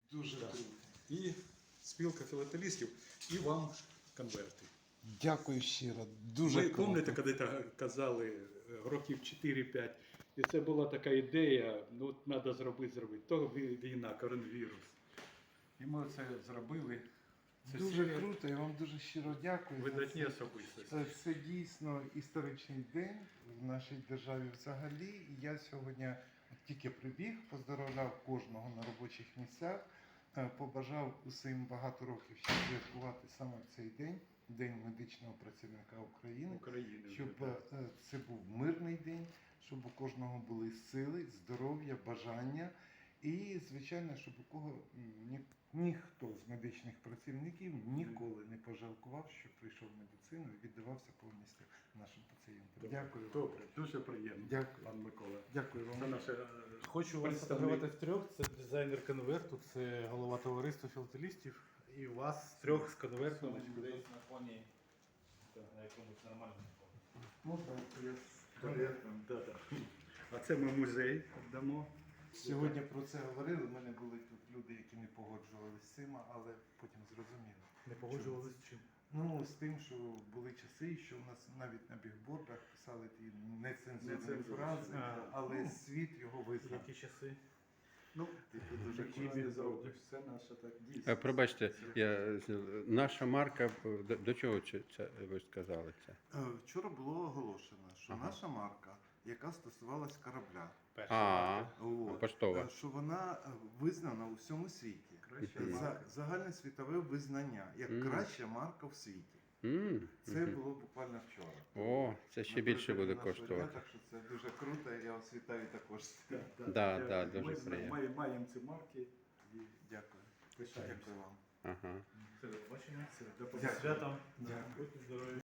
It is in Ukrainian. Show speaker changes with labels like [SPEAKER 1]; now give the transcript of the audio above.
[SPEAKER 1] Дуже
[SPEAKER 2] Так.
[SPEAKER 1] круто.
[SPEAKER 2] І спілка філателістів, і вам конверти.
[SPEAKER 1] Дякую щиро. Дуже
[SPEAKER 2] Ви
[SPEAKER 1] круто.
[SPEAKER 2] пам'ятаєте, коли казали років 4-5, і це була така ідея, ну от треба зробити. То війна, коронавірус. І ми це зробили. Це
[SPEAKER 1] Дуже
[SPEAKER 2] серія
[SPEAKER 1] круто, я вам дуже щиро дякую. за
[SPEAKER 2] видатні
[SPEAKER 1] це.
[SPEAKER 2] особистості.
[SPEAKER 1] Це дійсно історичний день в нашій державі взагалі. І я сьогодні тільки прибіг, поздоровляв кожного на робочих місцях, побажав усім багато років ще святкувати саме в цей день, День медичного працівника України,
[SPEAKER 2] України вже,
[SPEAKER 1] щоб
[SPEAKER 2] так.
[SPEAKER 1] це був мирний день, щоб у кожного були сили, здоров'я, бажання. І, звичайно, щоб у кого ніхто з медичних працівників ніколи не пожалкував, що прийшов в медицину і віддавався повністю нашим пацієнтам. Дякую вам.
[SPEAKER 2] Добре, дуже приємно,
[SPEAKER 1] Дякую.
[SPEAKER 2] пан Микола.
[SPEAKER 1] Дякую
[SPEAKER 2] Це
[SPEAKER 1] вам.
[SPEAKER 2] наше
[SPEAKER 3] Хочу вас
[SPEAKER 2] представник.
[SPEAKER 3] фотографувати втрьох. Це дизайнер конверту, це голова товариства філателістів. І вас трьох з конвертом.
[SPEAKER 4] Десь на фоні, на якомусь нормальному фоні.
[SPEAKER 1] Ну, так, я
[SPEAKER 2] Да-да. А це ми музей дамо.
[SPEAKER 1] сьогодні про це говорили. У мене були тут люди, які не погоджувалися з цим, але потім зрозуміли.
[SPEAKER 3] Не погоджувалися з чим?
[SPEAKER 1] Ну, з тим, що були часи, що у нас навіть на бігбордах писали ті нецензурні
[SPEAKER 2] Нецензурні.
[SPEAKER 1] фрази, але
[SPEAKER 2] Ну,
[SPEAKER 1] світ його визнав.
[SPEAKER 3] Які часи?
[SPEAKER 2] Ну,
[SPEAKER 1] Ти тут дуже
[SPEAKER 2] які
[SPEAKER 1] класно
[SPEAKER 2] не
[SPEAKER 1] зробив.
[SPEAKER 2] зробиш, це наша так дійсно.
[SPEAKER 5] Пробачте, наша марка, до чого це ви сказали це?
[SPEAKER 1] Вчора було оголошено, що
[SPEAKER 5] Ага.
[SPEAKER 1] наша марка, яка стосувалась корабля,
[SPEAKER 5] Поштова.
[SPEAKER 1] що вона визнана у всьому світі.
[SPEAKER 2] Краща
[SPEAKER 5] Мгм.
[SPEAKER 2] марка.
[SPEAKER 1] Загальносвітове визнання, як
[SPEAKER 5] Мгм.
[SPEAKER 1] краща марка в світі. Це
[SPEAKER 5] Мгм.
[SPEAKER 1] було буквально вчора.
[SPEAKER 5] О, це ще більше буде
[SPEAKER 1] Напередодні нашого дня,
[SPEAKER 5] коштувати.
[SPEAKER 1] Так що це дуже круто, я вас вітаю також.
[SPEAKER 5] Да, дуже
[SPEAKER 2] Ми
[SPEAKER 5] приємно.
[SPEAKER 2] маємо ці марки і
[SPEAKER 1] Дякую.
[SPEAKER 2] пишаємося.
[SPEAKER 1] Дякую вам.
[SPEAKER 5] Ага.
[SPEAKER 3] Все, до побачення.
[SPEAKER 2] Все, до
[SPEAKER 1] Дякую.
[SPEAKER 3] Святом.
[SPEAKER 1] Дякую.
[SPEAKER 3] Будьте здорові.